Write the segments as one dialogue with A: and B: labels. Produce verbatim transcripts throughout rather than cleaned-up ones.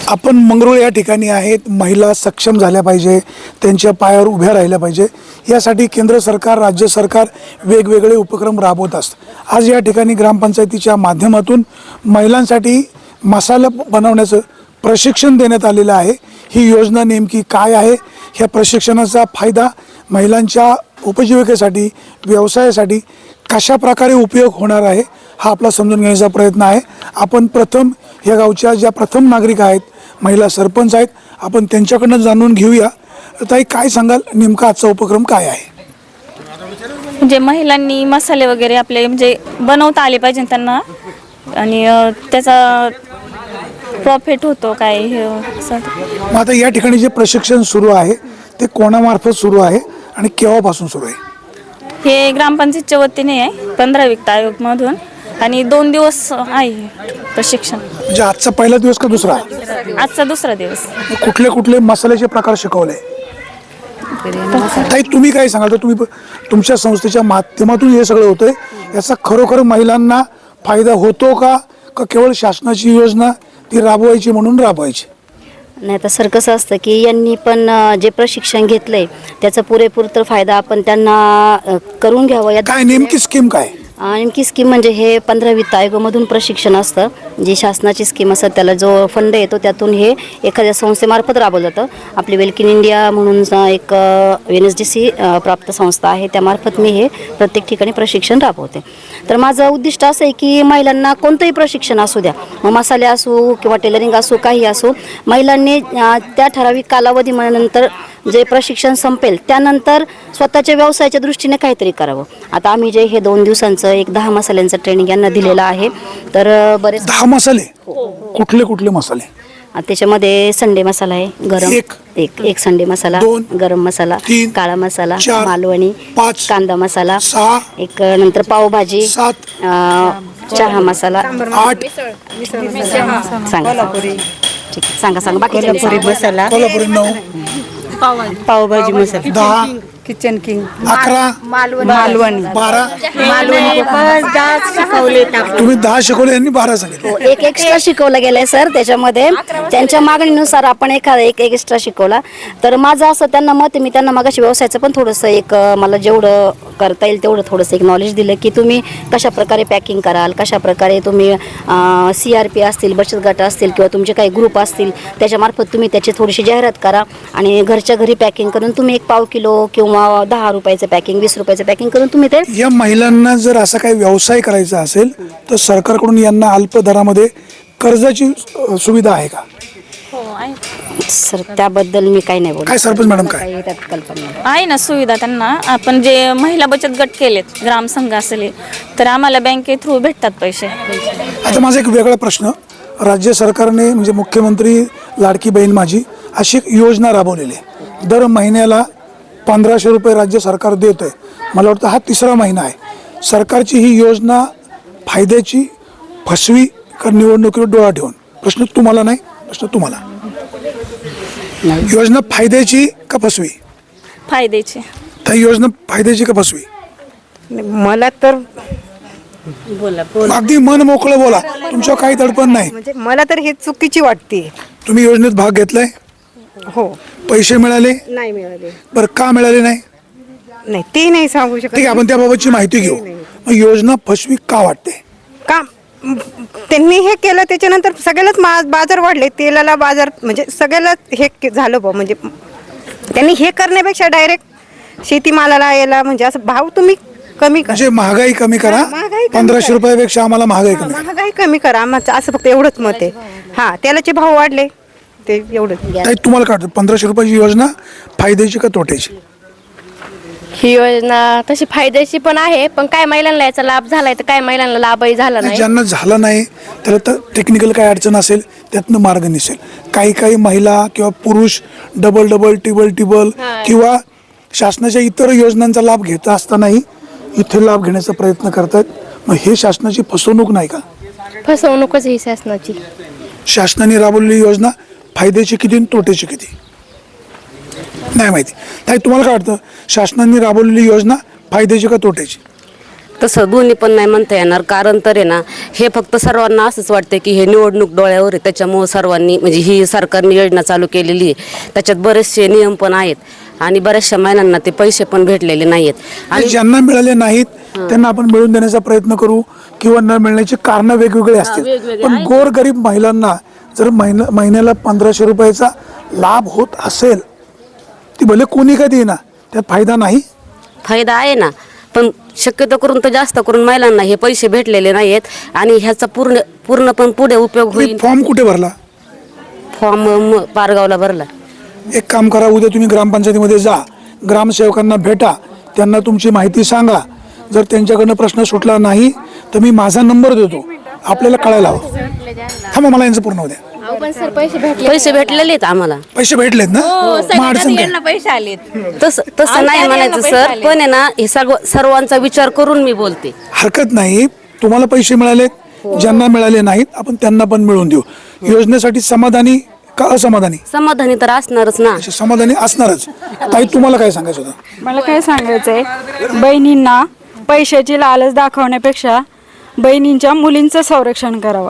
A: आपण मंगरुळ या ठिकाणी आहेत. महिला सक्षम झाल्या पाहिजे, त्यांच्या पायावर उभ्या राहिल्या पाहिजे, यासाठी केंद्र सरकार राज्य सरकार वेगवेगळे उपक्रम राबवत असतं. आज या ठिकाणी ग्रामपंचायतीच्या माध्यमातून महिलांसाठी मसाला बनवण्याचं प्रशिक्षण देण्यात आलेलं आहे. ही योजना नेमकी काय आहे, ह्या प्रशिक्षणाचा फायदा महिलांच्या उपजीविकेसाठी व्यवसायासाठी कशा प्रकारे उपयोग होणार आहे हा आपला समजून घेण्याचा प्रयत्न आहे. आपण प्रथम या गावच्या ज्या प्रथम नागरिक आहेत, महिला सरपंच आहेत, आपण त्यांच्याकडनं जाणून घेऊया. ताई, काय सांगाल, नेमका आजचा उपक्रम काय आहे?
B: म्हणजे महिलांनी मसाले वगैरे आपले म्हणजे बनवता आले पाहिजे त्यांना, आणि त्याचा प्रॉफिट होतो काय हे.
A: मग आता या ठिकाणी जे प्रशिक्षण सुरू आहे ते कोणामार्फत सुरू आहे आणि केव्हापासून सुरू आहे?
B: हे ग्रामपंचायतच्या वतीने आहे, पंधरा वित्त आयोग मधून, आणि दोन दिवस आहे प्रशिक्षण.
A: म्हणजे आजचा पहिला दिवस का दुसरा?
B: आजचा दुसरा दिवस.
A: कुठले कुठले मसाल्याचे प्रकार शिकवले? ताई, तुम्ही काय सांगाल? तर तुम्ही तुमच्या संस्थेच्या माध्यमातून हे सगळं होतंय, याचा खरोखर महिलांना फायदा होतो का, का केवळ शासनाची योजना ती राबवायची म्हणून राबवायची?
C: नाही, तर सर कसं असतं की यांनी पण जे प्रशिक्षण घेतलंय त्याचा पुरेपूर तर फायदा आपण त्यांना करून घ्यावं.
A: काय नेमकी स्कीम काय?
C: नेमकी स्कीम म्हणजे हे पंधरा वित्त आयोगामधून प्रशिक्षण असतं. जी शासनाची स्कीम असतात त्याला जो फंड येतो त्यातून हे एखाद्या संस्थेमार्फत राबवलं जातं. आपली वेल्क इन इंडिया म्हणून एक एन एस डी सी प्राप्त संस्था आहे, त्यामार्फत मी हे प्रत्येक ठिकाणी प्रशिक्षण राबवते. तर माझं उद्दिष्ट असं आहे की महिलांना कोणतंही प्रशिक्षण असू द्या, मग मसाले असो किंवा टेलरिंग असो, काही असो, महिलांनी त्या ठराविक कालावधीनंतर जे प्रशिक्षण संपेल त्यानंतर स्वतःच्या व्यवसायाच्या दृष्टीने काहीतरी करावं. आता आम्ही जे हे दोन दिवसांचं एक दहा मसाल्यांचं ट्रेनिंग यांना दिलेलं आहे. तर बरेच
A: दहा मसाले, कुठले कुठले मसाले?
C: त्याच्यामध्ये संडे मसाला आहे, गरम
A: एक
C: एक एक संडे मसाला, गरम मसाला, काळा मसाला, मालवणी, कांदा मसाला,
A: सहा,
C: एक नंतर पावभाजी,
A: सात,
C: चहा मसाला,
A: आठ,
C: सांगा ठीक आहे, सांगा सांगा बाकी
D: मसाला,
A: कोल्हापुरी नऊ,
D: पावभाजी मसाला,
A: दहा,
D: किचन किंग,
A: अकरा,
D: मालवणी,
A: बारा.
D: मालवणी शिकवले.
A: तुम्ही दहा शिकवले, यांनी बारा सांगितले.
C: एक एक्स्ट्रा शिकवलं गेलंय सर. त्याच्यामध्ये त्यांच्या मागणीनुसार आपण एखादा एक एक एक्स्ट्रा शिकवला. तर माझं असं त्यांना मत आहे, मी त्यांना मागाशी व्यवसायाचं पण थोडंसं एक मला जेवढं करता येईल तेवढं थोडंसं एक नॉलेज दिलं की तुम्ही कशा प्रकारे पॅकिंग कराल, कशा प्रकारे तुम्ही सी आर पी असतील, बचत गट असतील किंवा तुमचे काही ग्रुप असतील त्याच्यामार्फत तुम्ही त्याची थोडीशी जाहिरात करा आणि घरच्या घरी पॅकिंग करून तुम्ही एक पाव किलो किंवा दहा रुपयाचं पॅकिंग, वीस रुपयाचं पॅकिंग करून तुम्ही ते.
A: या महिलांना जर असा काही व्यवसाय करायचा असेल तर सरकारकडून यांना अल्प दरामध्ये कर्जाची सुविधा आहे का?
B: हो आहे
C: सर, त्याबद्दल मी काही नाही बोलू.
A: काय सरपंच मॅडम, काय
C: त्यात कल्पना नाही.
B: आहे ना सुविधा त्यांना. आपण जे महिला बचत गट केलेत, ग्रामसंघ असले, तर आम्हाला बँके थ्रू भेटतात पैसे.
A: आता माझा एक वेगळा प्रश्न, राज्य सरकारने म्हणजे मुख्यमंत्री लाडकी बहीण माझी अशी एक योजना राबवलेली आहे. दर महिन्याला पंधराशे रुपये राज्य सरकार देत आहे. मला वाटतं हा तिसरा महिना आहे. सरकारची ही योजना फायद्याची, फसवी का निवडणुकीवर डोळा ठेवून? प्रश्न तुम्हाला नाही, प्रश्न तुम्हाला. योजना फायद्याची का फसवी?
B: फायद्याचे.
A: तर ही योजना फायद्याची का फसवी?
D: मला तर बोला बोला
A: अगदी मन मोकळं बोला, तुमच्यावर काही दडपण नाही.
D: म्हणजे मला तर हे चुकीची वाटते.
A: तुम्ही योजनेत भाग घेतलाय?
D: हो.
A: पैसे मिळाले?
D: नाही मिळाले.
A: बरं, का मिळाले नाही?
D: नाही, ते नाही सांगू शकत.
A: ठीक आहे, आपण त्याबाबतची माहिती घेऊ. मग योजना फसवी का वाटते?
D: का त्यांनी हे केलं त्याच्यानंतर सगळ्यालाच बाजार वाढले, तेलाला बाजार, म्हणजे सगळ्यालाच हे झालं बा. म्हणजे त्यांनी हे करण्यापेक्षा डायरेक्ट शेतीमालाला याला म्हणजे असं भाव तुम्ही कमी करा,
A: म्हणजे महागाई कमी करा. पंधराशे रुपयापेक्षा आम्हाला महागाई कमी करा.
D: महागाई कमी करा आम्हाला, असं फक्त एवढंच मत आहे. हा, तेलाचे भाव वाढले ते एवढंच.
A: ताई, तुम्हाला काय वाटतं, पंधराशे रुपयाची योजना फायद्याची का तोट्याची?
E: ही योजना तशी फायद्याची पण आहे, पण काय महिलांना याचा लाभ झालाय तर काय महिलांना लाभही झाला नाही.
A: ज्यांना झाला नाही त्याला तर टेक्निकल काय अडचण असेल त्यातनं मार्ग निसेल. काही काही महिला किंवा पुरुष डबल डबल टिबल टिबल किंवा शासनाच्या इतर योजनांचा लाभ घेत असतानाही इथे लाभ घेण्याचा प्रयत्न करतात. मग हे शासनाची फसवणूक नाही का?
E: फसवणूकच ही शासनाची.
A: शासनाने राबवलेली योजना फायद्याची किती आणि तोट्याची किती नाही माहिती. ताई, तुम्हाला काय वाटतं, शासनाने राबवलेली योजना फायद्याची का तोट्याची?
F: तसं दोन्ही पण नाही म्हणता येणार, कारण तर आहे ना हे फक्त सर्वांना असंच वाटतं की हे निवडणूक डोळ्यावर आहे, त्याच्यामुळं सर्वांनी म्हणजे ही सरकारने योजना चालू केलेली आहे, त्याच्यात बरेचसे नियम पण आहेत आणि बऱ्याचशा महिलांना ते पैसे पण भेटलेले नाहीत.
A: आणि ज्यांना मिळाले नाहीत त्यांना आपण मिळवून देण्याचा प्रयत्न करू किंवा न मिळण्याची कारणं वेगवेगळी असतील, पण गोरगरीब महिलांना जर महिना महिन्याला पंधराशे रुपयाचा लाभ होत असेल, ती भले कोणी का देईना, त्यात फायदा नाही?
F: फायदा आहे ना, पण शक्यतो करून तर जास्त करून महिलांना हे पैसे भेटलेले नाहीत आणि ह्याचा पूर्ण पूर्ण पण पुढे उपयोग होईल.
A: फॉर्म कुठे भरला?
F: फॉर्म पारगावला भरला.
A: एक काम करा, उद्या तुम्ही ग्रामपंचायतीमध्ये जा, ग्रामसेवकांना भेटा, त्यांना तुमची माहिती सांगा. जर त्यांच्याकडनं प्रश्न सुटला नाही तर मी माझा नंबर देतो, आपल्याला कळायला हवं. थांबा, मला यांचं पूर्ण होऊ द्या.
E: पण सर पैसे भेटले
F: पैसे भेटलेले आहेत आम्हाला.
A: पैसे भेटलेत ना? मग अडचण काय?
E: पैसे आलेत.
F: तसं तसं नाही म्हणायचं सर, पण आहे ना हे सर्व सर्वांचा विचार करून मी बोलते.
A: हरकत नाही, तुम्हाला पैसे मिळालेत, ज्यांना मिळाले नाहीत आपण त्यांना पण मिळवून देऊ. योजनेसाठी समाधानी का असमाधानी?
F: समाधानी तर असणारच ना.
A: अच्छा, समाधानी असणारच. ताई, तुम्हाला काय सांगायचं होतं?
G: मला काय सांगायचंय, बहिणींना पैशाची लालच दाखवण्यापेक्षा बहिणींच्या मुलींचं संरक्षण करावं.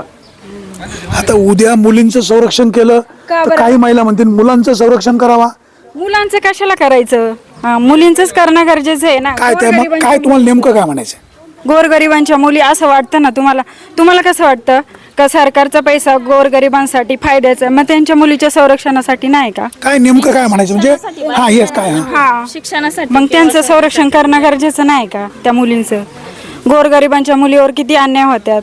A: आता उद्या मुलींचं संरक्षण केलं तर काही महिला म्हणतील मुलांचं संरक्षण करावा.
G: मुलांचं कशाला करायचं? हा, मुलींचंच करणं गरजेचं आहे ना.
A: काय त्या मग काय तुम्हाला नेमकं काय म्हणायचं?
G: गोरगरिबांच्या मुली असं वाटतं ना तुम्हाला, तुम्हाला कसं वाटतं का सरकारचा पैसा गोरगरिबांसाठी फायद्याचा, मग त्यांच्या मुलीच्या संरक्षणासाठी नाही का?
A: काय नेमकं काय म्हणायचं म्हणजे? हा येस काय हा
G: हा,
B: शिक्षणासाठी
G: मग त्यांचं संरक्षण करणं गरजेचं नाही का? त्या मुलींचं, गोरगरिबांच्या मुलीवर किती अन्याय होत्यात,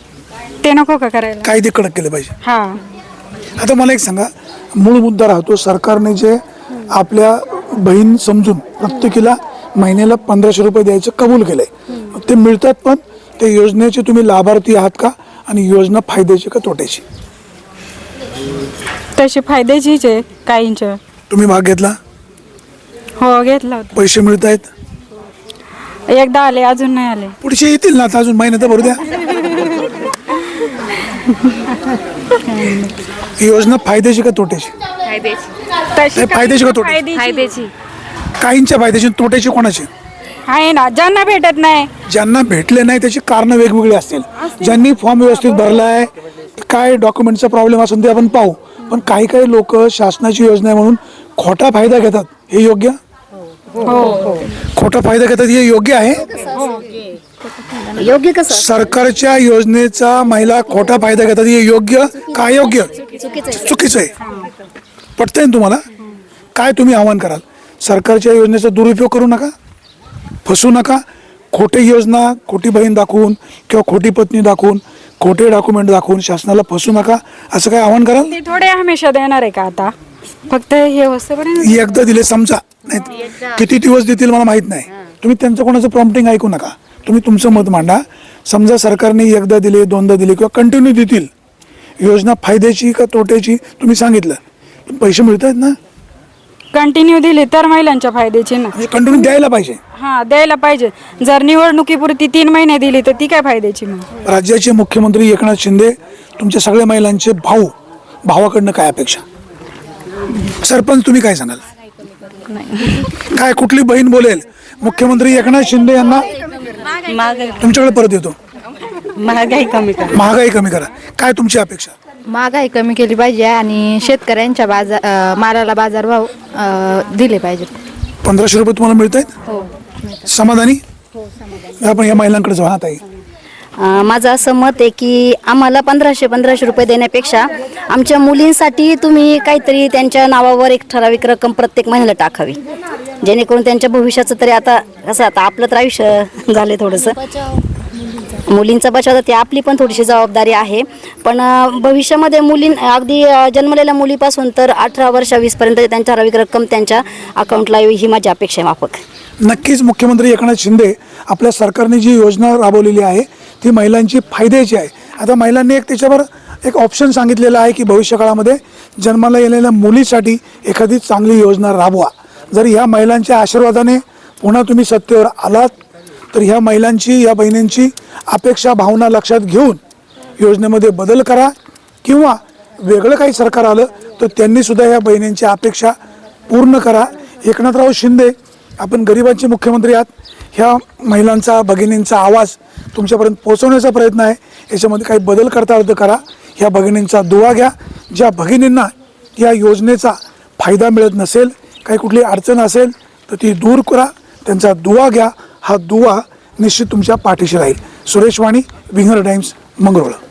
G: ते नको का करायला?
A: कायदे कडक केले पाहिजे.
G: हा,
A: आता मला एक सांगा, मूळ मुद्दा राहतो, सरकारने जे आपल्या बहीण समजून प्रत्येकीला महिन्याला पंधराशे रुपये द्यायचं कबूल केलंय, ते मिळतात, पण त्या योजनेचे तुम्ही लाभार्थी आहात का आणि योजना फायद्याची का तोट्याची?
G: तशी फायद्याचीच आहे काहींच्या.
A: तुम्ही भाग घेतला?
G: हो, घेतला होता.
A: पैसे मिळत आहेत?
G: एकदा आले, अजून नाही आले.
A: पुढचे येतील ना, आता अजून महिन्यात भरू द्या. ही योजना फायद्याची का तोट्याची?
G: तशी
A: नाही, फायद्याची का तोट्याची?
G: फायद्याची
B: फायद्याची
A: काहींच्या फायद्याची, तोट्याची कोणाची?
G: आहे ना, ज्यांना भेटत नाही.
A: ज्यांना भेटले नाही त्याची कारणं वेगवेगळी असतील. ज्यांनी फॉर्म व्यवस्थित भरलाय, काय डॉक्युमेंटचा प्रॉब्लेम असेल ते आपण पाहू, पण काही काही लोक शासनाची योजना आहे म्हणून खोटा फायदा घेतात. हे योग्य? खोटा फायदा घेतात हे योग्य आहे?
C: योग्य कसं?
A: सरकारच्या योजनेचा महिला खोटा फायदा घेतात हे योग्य का अयोग्य? चुकीचं आहे. पटतंय ना तुम्हाला? काय तुम्ही आव्हान कराल? सरकारच्या योजनेचा दुरुपयोग करू नका, फसू नका. खोटी योजना, खोटी बहीण दाखवून किंवा खोटी पत्नी दाखवून, खोटे डॉक्युमेंट दाखवून शासनाला फसू नका, असं काय आव्हान कराल?
G: ते थोडे हमेशा देणार आहे का आता? फक्त हे वस्तूपर्यंत
A: एकदा दिले समजा, नाही किती दिवस देतील मला माहित नाही. तुम्ही त्यांचं कोणाचं प्रॉम्प्टिंग ऐकू नका, तुम्ही तुमचं मत मांडा. समजा सरकारने एकदा दिले, दोनदा दिले किंवा कंटिन्यू देतील, योजना फायद्याची का तोट्याची तुम्ही सांगितलं, पण पैसे मिळत आहेत ना?
G: कंटिन्यू दिली तर महिलांच्या फायद्याची ना.
A: म्हणजे कंटिन्यू द्यायला पाहिजे.
G: हा, द्यायला पाहिजे. जर निवडणुकीपुरती तीन महिने दिली तर ती काय फायद्याची मग?
A: राज्याचे मुख्यमंत्री एकनाथ शिंदे तुमच्या सगळ्या महिलांचे भाऊ, भावाकडनं काय अपेक्षा? सरपंच तुम्ही काय सांगाल? काय कुठली बहीण बोलेल मुख्यमंत्री एकनाथ शिंदे यांना तुमच्याकडे परत येतो,
H: महागाई कमी करा.
A: महागाई कमी करा, काय तुमची अपेक्षा?
H: महागाई कमी केली पाहिजे आणि शेतकऱ्यांच्या बाजार अं, मालाला बाजारभाव अं, दिले पाहिजे.
A: पंधराशे रुपये तुम्हाला मिळत आहेत? समाधानी? आपण या महिलांकडे जाऊ. हा ताई,
C: अं, माझं असं मत आहे की आम्हाला पंधराशे पंधराशे रुपये देण्यापेक्षा आमच्या मुलींसाठी तुम्ही काहीतरी त्यांच्या नावावर एक ठराविक रक्कम प्रत्येक महिन्याला टाकावी, जेणेकरून त्यांच्या भविष्याचं तरी, आता कसं आता आपलं तर आयुष्य झालं थोडंसं, मुलींचा बचाव तर ती आपली पण थोडीशी जबाबदारी आहे. पण अं, भविष्यामध्ये मुलीं अगदी अं, जन्मलेल्या मुलीपासून तर अठरा वर्षा वीसपर्यंत त्यांच्या ठराविक रक्कम त्यांच्या अकाउंटला यावी, ही माझी अपेक्षा आहे माफक.
A: नक्कीच मुख्यमंत्री एकनाथ शिंदे आपल्या सरकारने जी योजना राबवलेली आहे ती महिलांची फायद्याची आहे. आता महिलांनी एक त्याच्यावर एक ऑप्शन सांगितलेला आहे की भविष्यकाळामध्ये जन्माला येलेल्या मुलीसाठी एखादी चांगली योजना राबवा. जर ह्या महिलांच्या आशीर्वादाने पुन्हा तुम्ही सत्तेवर आलात तर ह्या महिलांची, या बहिणींची अपेक्षा भावना लक्षात घेऊन योजनेमध्ये बदल करा, किंवा वेगळं काही सरकार आलं तर त्यांनी सुद्धा या बहिणींची अपेक्षा पूर्ण करा. एकनाथराव शिंदे आपण गरिबांचे मुख्यमंत्री आहात. ह्या महिलांचा भगिनींचा आवाज तुमच्यापर्यंत पोहोचवण्याचा प्रयत्न आहे. याच्यामध्ये काही बदल करता आलं तर करा. ह्या भगिनींचा दुवा घ्या. ज्या भगिनींना या योजनेचा फायदा मिळत नसेल, काही कुठली अडचण असेल तर ती दूर करा. त्यांचा दुवा घ्या. हा दुवा निश्चित तुमच्या पाठीशी राहील. सुरेश वाणी, विंगर टाइम्स, मंगरुळ.